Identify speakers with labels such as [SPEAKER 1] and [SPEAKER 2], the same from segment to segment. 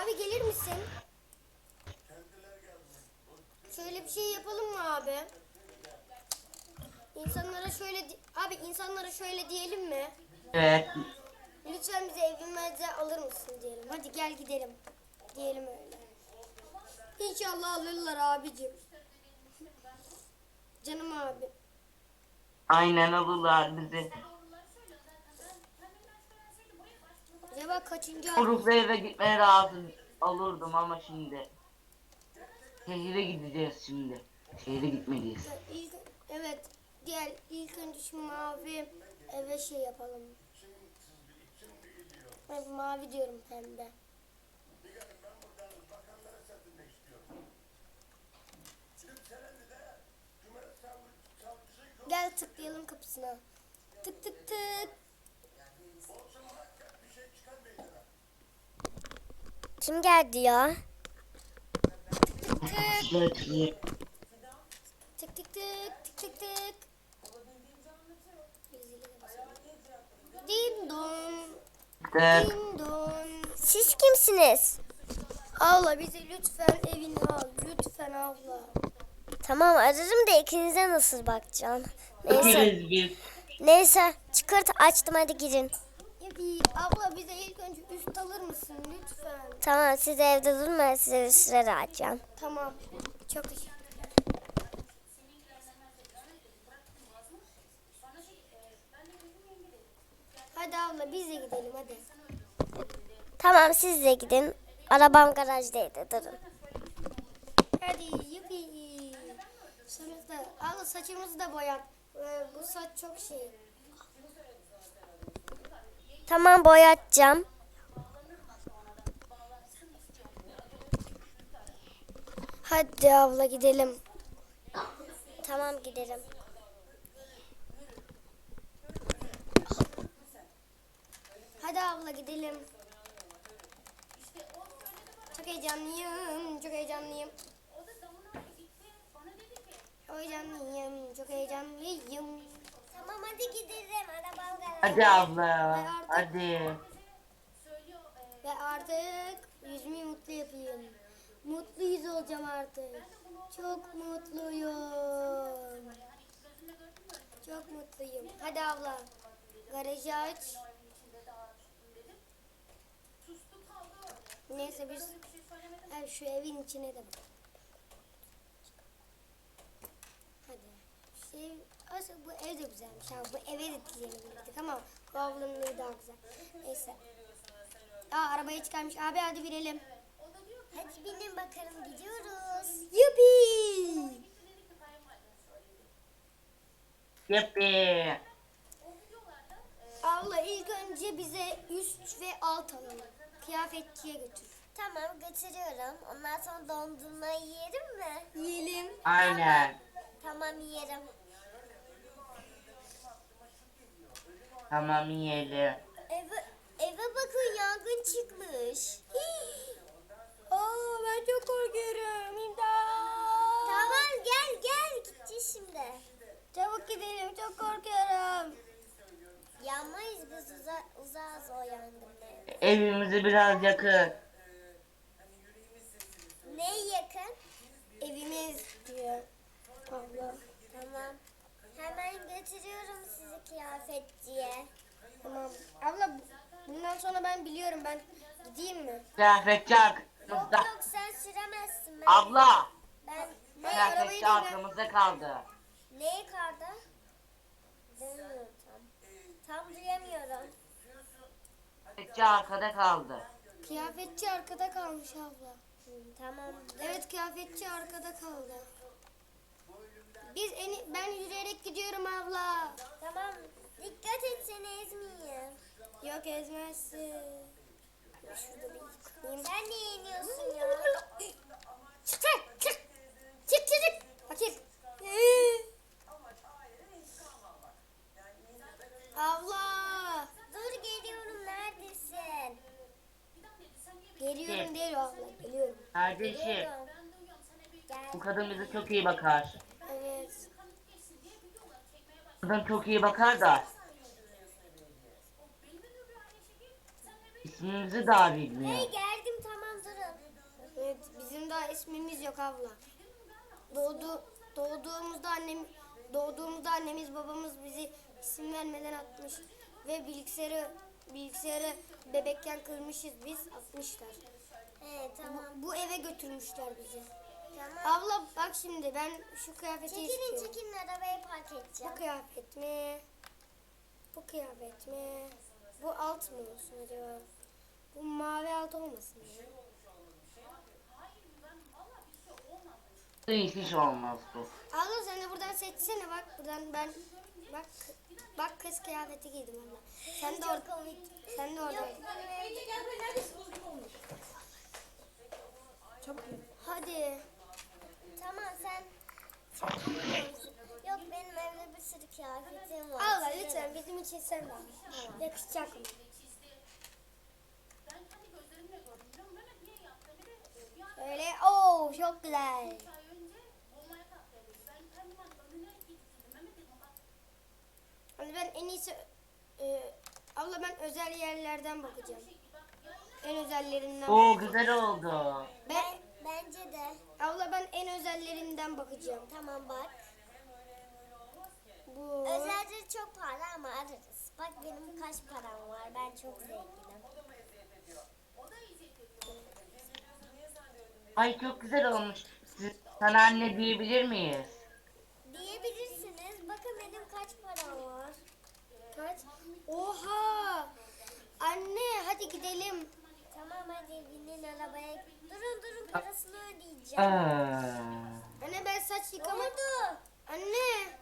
[SPEAKER 1] Abi gelir misin? Şöyle bir şey yapalım mı abi? İnsanlara şöyle abi insanlara şöyle diyelim mi?
[SPEAKER 2] Evet.
[SPEAKER 1] Lütfen bizi evimize alır mısın diyelim. Hadi gel gidelim. Diyelim öyle. İnşallah alırlar abicim. Canım abi.
[SPEAKER 2] Aynen alırlar bizi.
[SPEAKER 1] Acaba kaçıncı ay?
[SPEAKER 2] Uruk'la eve gitmeye razı olurdum ama şimdi. Şehire gideceğiz şimdi. Şehire gitmeliyiz.
[SPEAKER 1] Evet. Diğer ilk önce şu mavi eve şey yapalım. Evet, mavi diyorum pembe. Gel tıklayalım kapısına. Tık tık tık.
[SPEAKER 3] Kim geldi ya?
[SPEAKER 2] Şöyle tıklayayım.
[SPEAKER 1] Tık tık tık tık tık tık. Din don.
[SPEAKER 2] Tık.
[SPEAKER 1] Din don.
[SPEAKER 3] Siz kimsiniz?
[SPEAKER 1] Abla bizi lütfen evine al. Lütfen abla.
[SPEAKER 3] Tamam ararım da ikinize nasıl bakacağım? Neyse.
[SPEAKER 2] Tıkırız biz.
[SPEAKER 3] Neyse çıkart açtım hadi girin.
[SPEAKER 1] Yapi, abla bize ilk önce üst alır mısın lütfen?
[SPEAKER 3] Tamam siz evde durun ben size bir süre açacağım.
[SPEAKER 1] Tamam. Çok teşekkür. Hadi abla biz de gidelim hadi.
[SPEAKER 3] Tamam siz de gidin. Arabam garajdaydı durun.
[SPEAKER 1] Hadi yupi. Sonuçta abla saçımızı da boyat. Bu saç çok şey.
[SPEAKER 3] Tamam boyatacağım.
[SPEAKER 1] Hadi abla gidelim.
[SPEAKER 3] Tamam giderim.
[SPEAKER 1] Hadi abla gidelim. Çok heyecanlıyım. Çok heyecanlıyım. Çok heyecanlıyım. Çok heyecanlıyım.
[SPEAKER 3] Tamam hadi gidelim arabam
[SPEAKER 2] Hadi abla. Hadi.
[SPEAKER 1] Ve artık yüzümü mutlu yapayım. Mutlu yüz olacağım artık. Çok mutluyum. Çok mutluyum. Hadi abla. Garajı aç. Neyse biz şu evin içine de bak. Hadi. Aslında bu ev de güzelmiş. Ha, bu eve de diyebilirdik ama bu ablanın evi daha güzel. Neyse. Arabaya çıkarmış. Abi hadi binelim.
[SPEAKER 3] Hadi binin bakalım gidiyoruz.
[SPEAKER 1] Yuppie.
[SPEAKER 2] Yuppi.
[SPEAKER 1] Abla ilk önce bize üst ve alt alalım. Kıyafetçiye götür.
[SPEAKER 3] Tamam götürüyorum. Ondan sonra dondurmayı yiyelim mi?
[SPEAKER 1] Yiyelim.
[SPEAKER 2] Aynen.
[SPEAKER 3] Tamam yiyelim.
[SPEAKER 2] Tamam yiyelim.
[SPEAKER 3] Eve bakın yangın çıkmış.
[SPEAKER 1] Ben çok korkuyorum. İmdat.
[SPEAKER 3] Tamam gel gideceğiz şimdi.
[SPEAKER 1] Çabuk gidelim. Çok korkuyorum.
[SPEAKER 3] Yanmayız biz uzağız o yangından.
[SPEAKER 2] Evimizi biraz yakın.
[SPEAKER 3] Ne yakın?
[SPEAKER 1] Evimiz diyor. Abla.
[SPEAKER 3] Tamam. Hemen götürüyorum sizi kıyafetçiye.
[SPEAKER 1] Tamam. Abla bundan sonra ben biliyorum. Ben gideyim mi?
[SPEAKER 2] Kıyafetçi
[SPEAKER 3] Yok
[SPEAKER 2] arkamızda.
[SPEAKER 3] yok sen süremezsin.
[SPEAKER 2] Abla.
[SPEAKER 3] Ben
[SPEAKER 1] Arabayı
[SPEAKER 2] Kıyafetçi
[SPEAKER 1] da
[SPEAKER 2] arkamızda kaldı.
[SPEAKER 3] neyi karda? Duymuyorum tam. Tam duyamıyorum.
[SPEAKER 2] Kıyafetçi arkada kaldı.
[SPEAKER 1] Kıyafetçi arkada kalmış abla.
[SPEAKER 3] Tamam.
[SPEAKER 1] Evet kıyafetçi arkada kaldı. Ben yürüyerek gidiyorum abla.
[SPEAKER 3] Tamam. Dikkat et seni ezmeyeyim.
[SPEAKER 1] Yok ezmezsin. Şurada bir yıkayayım.
[SPEAKER 3] Sen niye iniyorsun ya?
[SPEAKER 1] Çık çık çık. Çık çık çık. Bakayım. Abla.
[SPEAKER 3] Dur geliyorum neredesin?
[SPEAKER 1] Geliyorum değil abla. Geliyorum.
[SPEAKER 2] Kardeşim.
[SPEAKER 3] Geliyorum.
[SPEAKER 2] Bu
[SPEAKER 3] Gel.
[SPEAKER 2] kadın bize çok iyi bakar.
[SPEAKER 1] Evet.
[SPEAKER 2] Kadın çok iyi bakar da. İsmimizi daha bilmiyor.
[SPEAKER 3] Hey geldim tamam durun.
[SPEAKER 1] daha ismimiz yok abla. Doğduğumuzda annemiz babamız bizi isim vermeden atmış ve bilgisayarı bebekken kırmışız biz, atmışlar.
[SPEAKER 3] Tamam.
[SPEAKER 1] Bu eve götürmüşler bizi.
[SPEAKER 3] Tamam.
[SPEAKER 1] Abla bak şimdi ben şu kıyafeti istiyorum.
[SPEAKER 3] Çekilin arabayı park edeceğim.
[SPEAKER 1] Bu kıyafet mi? Bu kıyafet mi? Bu alt mı olsun acaba? Bu mavi alt olmasın ya.
[SPEAKER 2] Hiç olmaz bu.
[SPEAKER 1] Abla sen de buradan seçsene bak. Buradan ben bak kız kıyafeti giydim abla. Sen de orada. Sen de orada. Hadi.
[SPEAKER 3] Tamam sen çekiliyor musun? Yok benim evde bir sürü kıyafetim var.
[SPEAKER 1] Abla lütfen bizim için sen var. Yakışacak mı? Öyle. Oo çok güzel. Hani ben en iyisi abla ben özel yerlerden bakacağım. En özellerinden.
[SPEAKER 2] Oo güzel oldu.
[SPEAKER 3] Bence de.
[SPEAKER 1] Abla ben en özellerinden bakacağım.
[SPEAKER 3] Tamam bak.
[SPEAKER 1] Bu.
[SPEAKER 3] Özellikle çok pahalı ama ararız. Bak benim kaç param var. Ben çok zenginim.
[SPEAKER 2] Ay çok güzel olmuş. Sana anne diyebilir miyiz?
[SPEAKER 3] Diyebilirsiniz. Bakın benim kaç param var.
[SPEAKER 1] Kaç? Oha! Anne hadi gidelim.
[SPEAKER 3] Tamam hadi binin arabaya. Durun parasını ödeyeceğim.
[SPEAKER 1] Anne ben saç
[SPEAKER 3] Ne
[SPEAKER 1] yıkamak.
[SPEAKER 3] oldu?
[SPEAKER 1] Anne.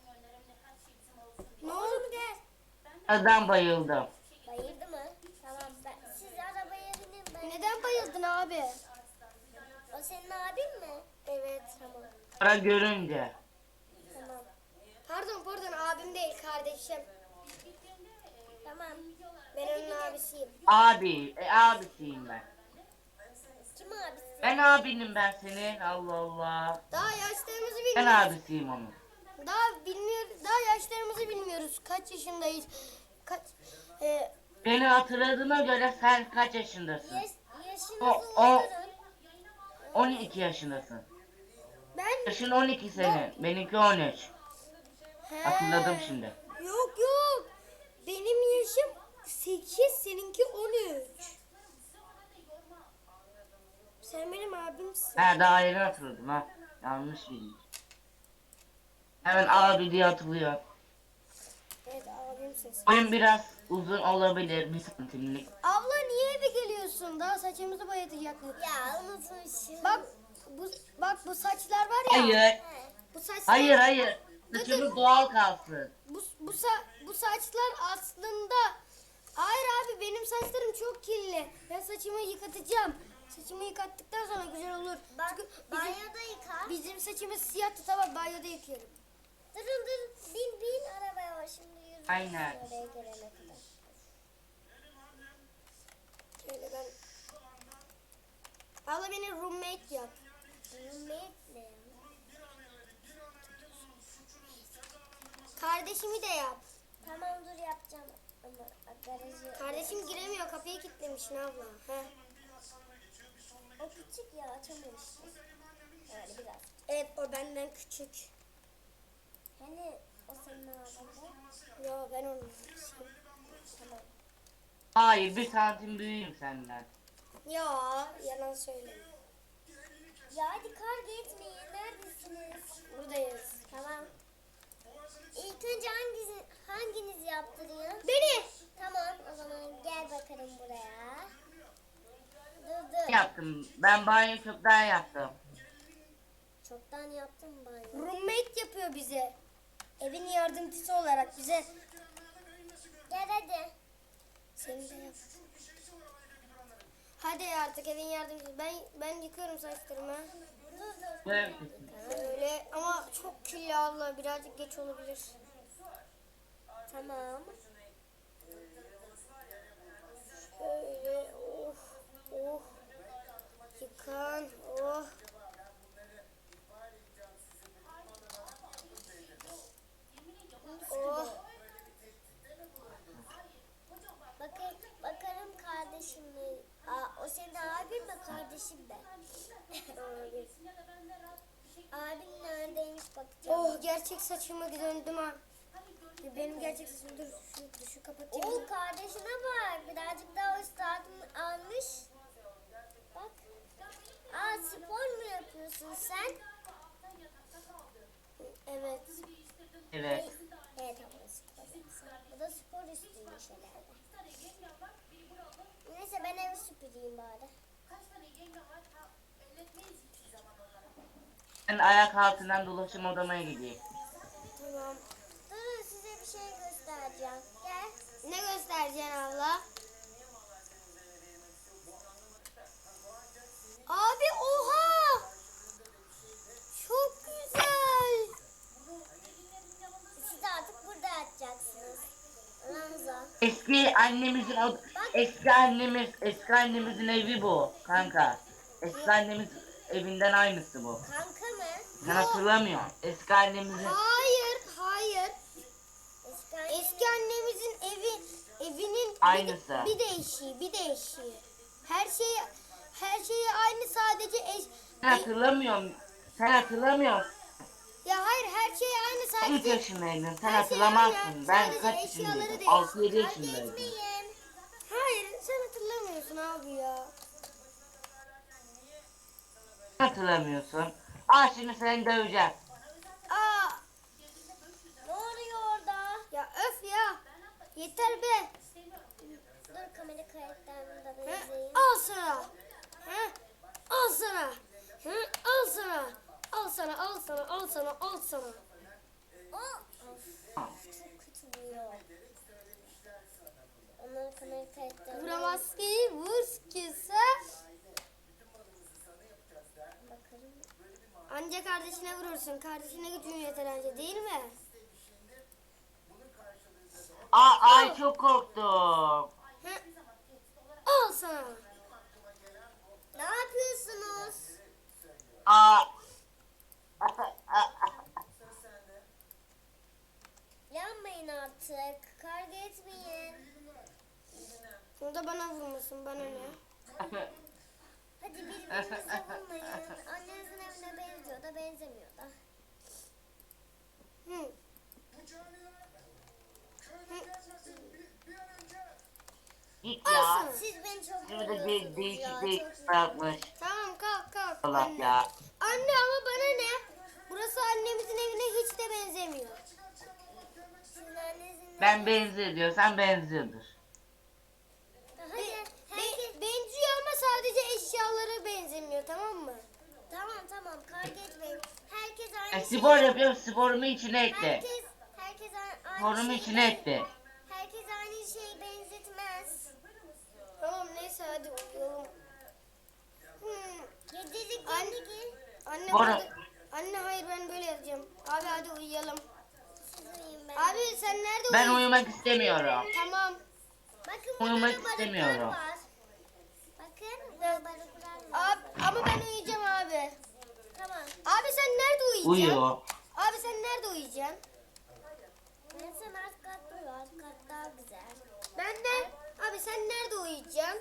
[SPEAKER 1] Ne oldu?
[SPEAKER 3] Gel.
[SPEAKER 2] Adam bayıldım.
[SPEAKER 3] Bayıldı mı? Tamam siz arabaya binin. Ben...
[SPEAKER 1] Neden bayıldın abi?
[SPEAKER 3] O senin abin mi?
[SPEAKER 1] Evet.
[SPEAKER 3] Tamam.
[SPEAKER 2] Para görünce.
[SPEAKER 3] Tamam.
[SPEAKER 1] Pardon abim değil kardeşim.
[SPEAKER 3] Tamam.
[SPEAKER 1] Ben onun abisiyim.
[SPEAKER 2] Abisiyim ben.
[SPEAKER 3] Kim abisi?
[SPEAKER 2] Ben abinim ben senin. Allah Allah.
[SPEAKER 1] Daha yaşlarımızı
[SPEAKER 2] Ben
[SPEAKER 1] bilmiyoruz.
[SPEAKER 2] abisiyim onun.
[SPEAKER 1] Daha yaşlarımızı bilmiyoruz. Kaç yaşındayız?
[SPEAKER 2] Beni hatırladığına göre sen kaç yaşındasın?
[SPEAKER 3] Yaşınızı
[SPEAKER 2] O-
[SPEAKER 3] uydurun.
[SPEAKER 2] 12 yaşındasın.
[SPEAKER 1] Ben
[SPEAKER 2] Yaşın 12 senin. Benimki 13. Hatırladım şimdi.
[SPEAKER 1] Yok. Benim yaşım 8, seninki 13. Sen benim abimsin.
[SPEAKER 2] Ha daha yeni hatırladım ha. Yanlış bildik. Hemen abi diye hatırlıyor.
[SPEAKER 1] Evet abimsin sen.
[SPEAKER 2] Boyun biraz uzun olabilir. 1 santimlik.
[SPEAKER 1] Abla niye eve geliyorsun? Daha saçımızı boyatacaktık.
[SPEAKER 3] Ya unutmuşum.
[SPEAKER 1] Bak bu saçlar var ya.
[SPEAKER 2] Hayır.
[SPEAKER 1] Bu saçlar.
[SPEAKER 2] Hayır. Saçımız doğal kalsın.
[SPEAKER 1] Bu saçlar aslında. Hayır abi benim saçlarım çok kirli. Ben saçımı yıkatacağım. Saçımı yıkattıktan sonra güzel olur.
[SPEAKER 3] Bak
[SPEAKER 1] Çünkü
[SPEAKER 3] banyoda yıka.
[SPEAKER 1] bizim saçımız siyahtı, tamam banyoda yıkıyorum.
[SPEAKER 3] Durun. Bin arabaya var şimdi yürü.
[SPEAKER 2] Aynen.
[SPEAKER 3] Oraya gelene kadar.
[SPEAKER 1] Şöyle ben. Abla beni roommate yap.
[SPEAKER 3] Roommate ne ya?
[SPEAKER 1] Kardeşimi de yap.
[SPEAKER 3] Tamam dur yapacağım. Ama garajı...
[SPEAKER 1] Kardeşim giremiyor, kapıyı kilitlemişsin abla. Heh.
[SPEAKER 3] O küçük ya açamamıştı. Yani biraz.
[SPEAKER 1] Evet o benden küçük.
[SPEAKER 3] Hani o senin ağzında.
[SPEAKER 1] Yo ben onun abisiyim.
[SPEAKER 3] Tamam.
[SPEAKER 2] Hayır 1 santim büyüğüm senden.
[SPEAKER 1] Yo yalan söyleme.
[SPEAKER 3] Ya hadi kavga etmeyin. Neredesiniz?
[SPEAKER 1] Buradayız.
[SPEAKER 3] Tamam. İlk önce hanginiz yaptırıyor?
[SPEAKER 1] Beni.
[SPEAKER 3] Tamam o zaman gel bakalım buraya. Dur.
[SPEAKER 2] Yaptım. Ben banyo çoktan yaptım.
[SPEAKER 3] Çoktan yaptım banyo.
[SPEAKER 1] Roommate yapıyor bize. Evin yardımcısı olarak bize.
[SPEAKER 3] Gel hadi.
[SPEAKER 1] Seni de yap. Hadi artık evin yardımcısı. Ben yıkıyorum saçlarımı.
[SPEAKER 3] Dur.
[SPEAKER 2] Böyle
[SPEAKER 1] Öyle ama çok kirli abla. Birazcık geç olabilir.
[SPEAKER 3] Tamam.
[SPEAKER 1] Öyle oh. Yıkan oh. Oh.
[SPEAKER 3] Bakarım kardeşim mi? O senin abin mi kardeşin kardeşim de. Abim neredeymiş bakacağım.
[SPEAKER 1] Oh gerçek saçıma döndüm ha. Benim gerçek saçım dur şu kapatayım.
[SPEAKER 3] Oo kardeşine bak. Birazcık daha üstadını almış. Bak. Aa spor mu yapıyorsun sen?
[SPEAKER 1] Evet.
[SPEAKER 2] Evet.
[SPEAKER 3] Evet abla spor yapsın. Bu da spor üstüymüş herhalde. Neyse ben evi süpüreyim bari.
[SPEAKER 2] Ben ayak altından dolaşım odama gideyim.
[SPEAKER 1] Tamam.
[SPEAKER 3] Durun size bir şey göstereceğim. Gel.
[SPEAKER 1] Ne göstereceksin abla? Abi oha! Çok güzel.
[SPEAKER 3] Siz de artık burada yatacaksınız. Ramza.
[SPEAKER 2] Eski annemizin evi bu kanka. Eski annemiz evinden aynısı bu.
[SPEAKER 3] Kanka mı?
[SPEAKER 2] Sen hatırlamıyorsun. Eski annemizin
[SPEAKER 1] Hayır.
[SPEAKER 3] Eski
[SPEAKER 1] Eski annemizin evinin
[SPEAKER 2] Aynısı.
[SPEAKER 1] bir değişiği. Her şeyi aynı sadece
[SPEAKER 2] sen hatırlamıyorsun. Sen hatırlamıyorsun.
[SPEAKER 1] ya hayır her şey aynı
[SPEAKER 2] 3
[SPEAKER 1] sadece.
[SPEAKER 2] yaşındaydın. Sen
[SPEAKER 1] Her şey
[SPEAKER 2] hatırlamazsın.
[SPEAKER 1] aynı.
[SPEAKER 2] Ben
[SPEAKER 1] Sadece
[SPEAKER 2] kaç
[SPEAKER 1] eşyaları
[SPEAKER 2] yaşındaydım?
[SPEAKER 1] değil.
[SPEAKER 2] 6-7
[SPEAKER 3] Kavga
[SPEAKER 2] yaşındaydım.
[SPEAKER 3] etmeyin.
[SPEAKER 1] Hayır sen hatırlamıyorsun abi ya.
[SPEAKER 2] Hatırlamıyorsun. Aa şimdi seni döveceğim.
[SPEAKER 1] Aa
[SPEAKER 3] Ne oluyor orada?
[SPEAKER 1] ya öf ya. Yeter be.
[SPEAKER 3] Dur kamera kayıtlarını da
[SPEAKER 1] Hı?
[SPEAKER 3] benzeyin.
[SPEAKER 1] Al sana. Hı? Al sana. Hı? Al sana. Al sana, al sana, al sana, al sana.
[SPEAKER 3] Of, çok kötü vuruyor. Onların kamera kayıtlarını
[SPEAKER 1] Vuramaz ki, vur ki sen.
[SPEAKER 3] bakarım.
[SPEAKER 1] Anca kardeşine vurursun. Kardeşine gücün yeter anca değil mi?
[SPEAKER 2] Ay çok korktum.
[SPEAKER 1] Hı? Al sana.
[SPEAKER 3] Ne yapıyorsunuz?
[SPEAKER 2] Aa.
[SPEAKER 3] Yanmayın artık. Kavga etmeyin.
[SPEAKER 1] O da bana vurmasın, bana ne?
[SPEAKER 3] Hadi birbirinizi vurmayın. Annenizin evine benziyor da benzemiyor da.
[SPEAKER 1] Hı.
[SPEAKER 2] Git
[SPEAKER 1] Al
[SPEAKER 2] ya.
[SPEAKER 1] sana.
[SPEAKER 3] Siz beni çok
[SPEAKER 2] Şimdi de
[SPEAKER 3] vuruyorsunuz
[SPEAKER 2] değişik
[SPEAKER 3] ya.
[SPEAKER 2] değişik
[SPEAKER 3] Çok
[SPEAKER 2] bırakmış.
[SPEAKER 1] Tamam kalk.
[SPEAKER 2] Allah
[SPEAKER 1] Anne.
[SPEAKER 2] ya.
[SPEAKER 1] Anne ama bana ne? Burası annemizin evine hiç de benzemiyor.
[SPEAKER 3] Sizin annenizin
[SPEAKER 2] Ben benziyor diyorsan benziyordur.
[SPEAKER 3] Hadi herkes...
[SPEAKER 1] Benziyor ama sadece eşyaları benzemiyor tamam mı?
[SPEAKER 3] Tamam kavga etmeyin. Herkes
[SPEAKER 2] E,
[SPEAKER 3] aynı
[SPEAKER 2] spor
[SPEAKER 3] şeyi...
[SPEAKER 2] yapıyorum sporumu içine etti.
[SPEAKER 3] Herkes aynı
[SPEAKER 2] Sporumu
[SPEAKER 3] şeyi
[SPEAKER 2] içine etti.
[SPEAKER 3] Herkes aynı şeyi benzetmez.
[SPEAKER 1] Tamam neyse hadi uyuyalım.
[SPEAKER 3] Gecelik
[SPEAKER 1] Anne-
[SPEAKER 3] gel.
[SPEAKER 1] Anne,
[SPEAKER 2] Bora.
[SPEAKER 1] anne hayır ben böyle yatacağım. Abi hadi uyuyalım.
[SPEAKER 3] Siz uyuyun ben.
[SPEAKER 1] Abi sen nerede
[SPEAKER 2] Ben
[SPEAKER 1] uyuyorsun?
[SPEAKER 2] uyumak istemiyorum.
[SPEAKER 1] Tamam.
[SPEAKER 3] Bakın burada
[SPEAKER 2] Uyumak
[SPEAKER 3] da balıklar
[SPEAKER 2] istemiyorum.
[SPEAKER 3] var. Bakın burada balıklar var.
[SPEAKER 1] Abi, ama ben uyuyacağım abi.
[SPEAKER 3] Tamam.
[SPEAKER 1] Abi sen nerede uyuyacaksın?
[SPEAKER 2] Uyuyor.
[SPEAKER 1] Abi sen nerede uyuyacaksın?
[SPEAKER 3] Sen alt katta uyu. Alt kat daha güzel.
[SPEAKER 1] Ben de. Abi sen nerede uyuyacaksın?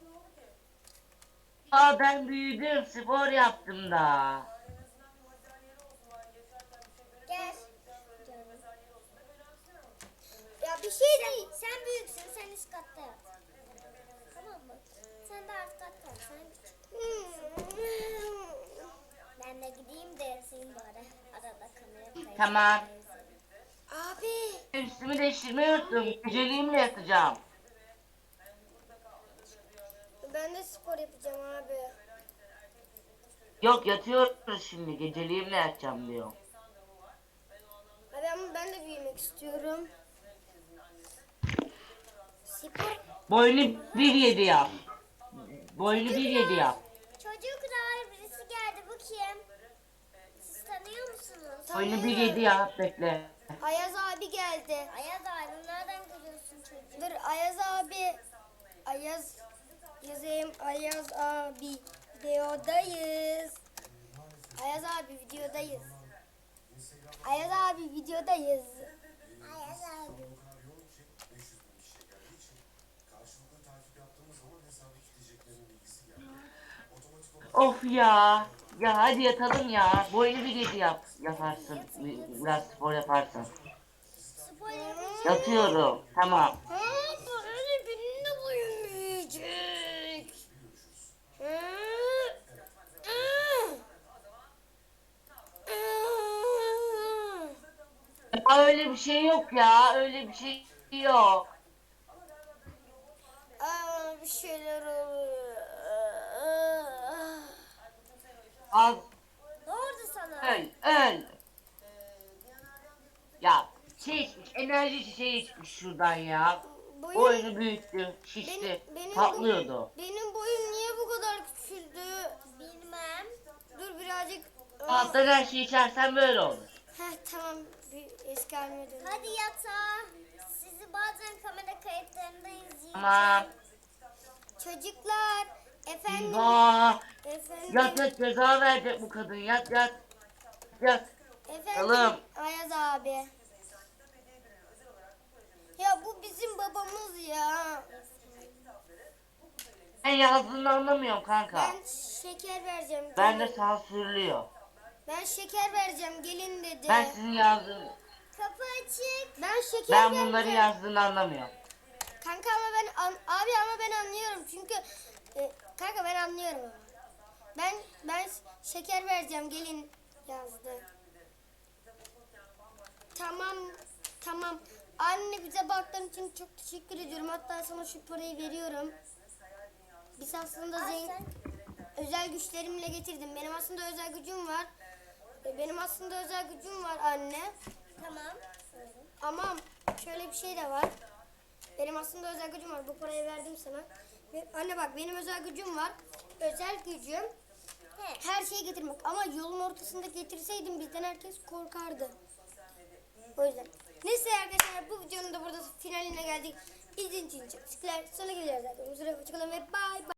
[SPEAKER 2] Aa ben büyüdüm spor yaptım da.
[SPEAKER 3] Gel.
[SPEAKER 1] Ya bir şey değil.
[SPEAKER 3] Sen büyüksün. Sen üst katta yat. Tamam mı? Sen de alt katta yat. Sen küçük. Ben de gideyim de yatayım bari. Arada kamera kaydı.
[SPEAKER 2] Tamam.
[SPEAKER 1] Abi.
[SPEAKER 2] Üstümü değiştirmeyi unuttum. Geceliğimle yatacağım.
[SPEAKER 1] Ben de spor yapacağım abi.
[SPEAKER 2] Yok yatıyoruz şimdi. Geceliğimle yatacağım diyor.
[SPEAKER 1] Abi ama ben de büyümek istiyorum. Spor.
[SPEAKER 2] Boynu 1.7 yap. Boynu 1.7 yap.
[SPEAKER 3] Çocuklar birisi geldi. Bu kim? Siz tanıyor musunuz?
[SPEAKER 2] Boynu 1.7 yap bekle.
[SPEAKER 1] Ayaz abi geldi.
[SPEAKER 3] Ayaz abi nereden görüyorsun çocuğu?
[SPEAKER 1] Dur Ayaz abi. Ayaz yazayım. Ayaz abi videodayız. Ayaz abi videodayız. Ayaz abi videodayız.
[SPEAKER 3] Ayaz abi.
[SPEAKER 2] Of ya. Ya hadi yatalım ya. Bu oyunu bir gece yaparsın. Biraz spor yaparsın.
[SPEAKER 3] Spor yapacağım.
[SPEAKER 2] Yatıyorum. Tamam.
[SPEAKER 1] Ha, böyle benimle uyumayacak. Ha, ah, ah.
[SPEAKER 2] Ya öyle bir şey yok ya. Öyle bir şey yok.
[SPEAKER 1] Aa, bir şeyler oluyor.
[SPEAKER 2] Az
[SPEAKER 3] Ne oldu sana?
[SPEAKER 2] öl. Ya şey içmiş. Enerji çiçeği içmiş şuradan ya.
[SPEAKER 1] Boyum,
[SPEAKER 2] Oyunu büyüttü. Şişti. Patlıyordu.
[SPEAKER 1] benim boyum niye bu kadar küçüldü?
[SPEAKER 3] Bilmem.
[SPEAKER 1] Dur birazcık.
[SPEAKER 2] Alttan her şeyi içersen böyle olur.
[SPEAKER 1] Heh, tamam, bir eski halime döndüm.
[SPEAKER 3] Hadi yatağa. Sizi bazen kamera kayıtlarında izleyeceğim.
[SPEAKER 2] Tamam.
[SPEAKER 1] Çocuklar, efendim,
[SPEAKER 2] Eyvah.
[SPEAKER 1] efendim,
[SPEAKER 2] Yat ceza verecek bu kadın. Yat. Yat.
[SPEAKER 1] efendim,
[SPEAKER 2] Oğlum.
[SPEAKER 1] Ayaz abi. Ya bu bizim babamız ya.
[SPEAKER 2] Ben yazdığını anlamıyorum kanka.
[SPEAKER 1] Ben şeker vereceğim.
[SPEAKER 2] Ben de sansürlüyor.
[SPEAKER 1] Ben şeker vereceğim, gelin dedi.
[SPEAKER 2] Ben sizin yazdığını...
[SPEAKER 3] Kapı açık.
[SPEAKER 1] Ben şeker
[SPEAKER 2] Ben
[SPEAKER 1] vereceğim.
[SPEAKER 2] bunları yazdığını anlamıyorum.
[SPEAKER 1] Kanka ama abi ama ben anlıyorum çünkü kanka ben anlıyorum ama. Ben şeker vereceğim, gelin yazdı. Tamam. Anne, bize baktığın için çok teşekkür ediyorum. Hatta sana şu parayı veriyorum. Biz aslında özel güçlerimle getirdim. Benim aslında özel gücüm var. Anne.
[SPEAKER 3] Tamam.
[SPEAKER 1] Ama şöyle bir şey de var. Benim aslında özel gücüm var. Bu parayı verdim sana. Anne bak, benim özel gücüm var. Özel gücüm her şeyi getirmek. Ama yolun ortasında getirseydim bizden herkes korkardı. O yüzden. Neyse arkadaşlar, bu videonun da burada finaline geldik. İzlediğiniz için çok teşekkürler. Sonra geleceğiz zaten. Hoşçakalın ve bye bye.